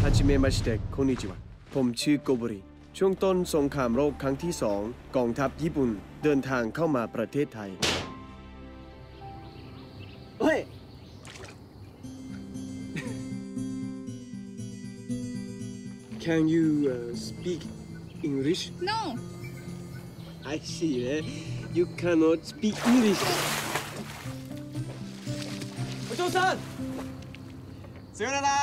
าจิเมะมาชิเตะこんにちはผมชื่อโกโบริช่วงต้นสงครามโลกครั้งที่2กองทัพญี่ปุ่นเดินทางเข้ามาประเทศไทยเฮ้ย Can you speak English? No. I see. You cannot speak English. お嬢さんさよなら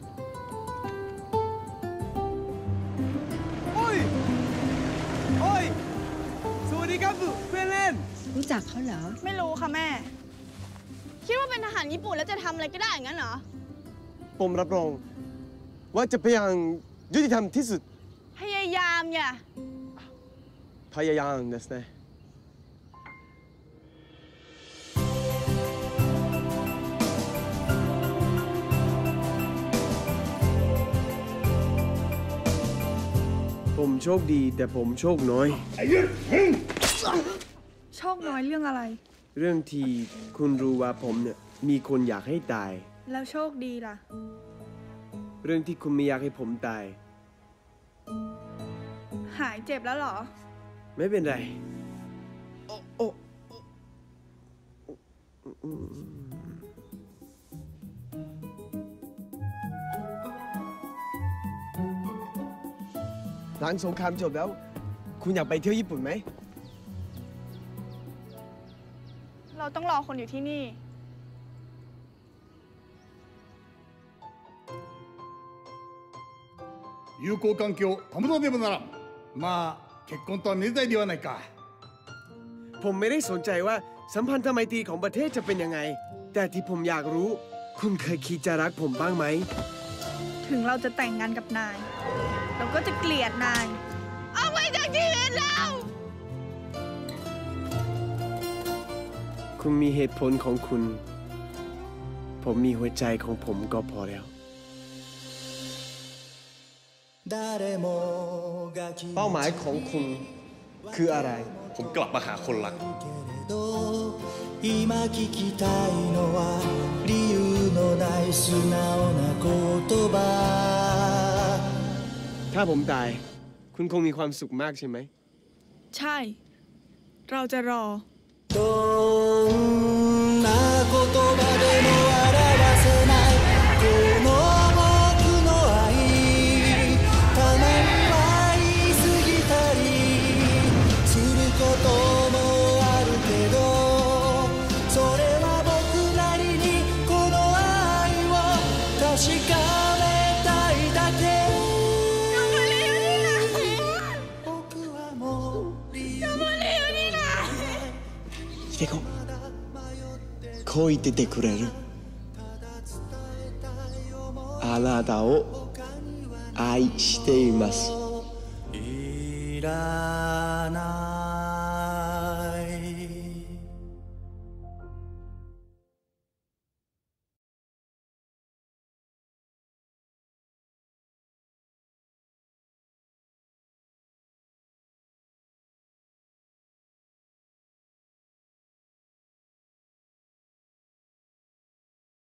โอ้ยโอ้ยสวัสดีครับเพื่อนเล่นรู้จักเขาเหรอไม่รู้ค่ะแม่คิดว่าเป็นทหารญี่ปุ่นแล้วจะทำอะไรก็ได้อย่างนั้นเหรอผมรับรองว่าจะพยายามยุติธรรมที่สุดพยายามอย่าพยายามですねผมโชคดีแต่ผมโชคน้อยโชคน้อยเรื่องอะไรเรื่องที่คุณรู้ว่าผมเนี่ยมีคนอยากให้ตายแล้วโชคดีล่ะเรื่องที่คุณไม่อยากให้ผมตายหายเจ็บแล้วเหรอไม่เป็นไรหลังสงครามจบแล้วคุณอยากไปเที่ยวญี่ปุ่นไหมเราต้องรอคนอยู่ที่นี่友好関係を保たねばならんまあ結婚とはめでたいではないかผมไม่ได้สนใจว่าสัมพันธไมตรีของประเทศจะเป็นยังไงแต่ที่ผมอยากรู้คุณเคยคิดจะรักผมบ้างไหมถึงเราจะแต่งงานกับนายเราก็จะเกลียดนายเอาไปจากชีวิตเราคุณมีเหตุผลของคุณผมมีหัวใจของผมก็พอแล้วเป้าหมายของคุณคืออะไรผมกลับมาหาคนรักถ้าผมตายคุณคงมีความสุขมากใช่ไหมใช่เราจะรอこう言っててくれるあなたを愛しています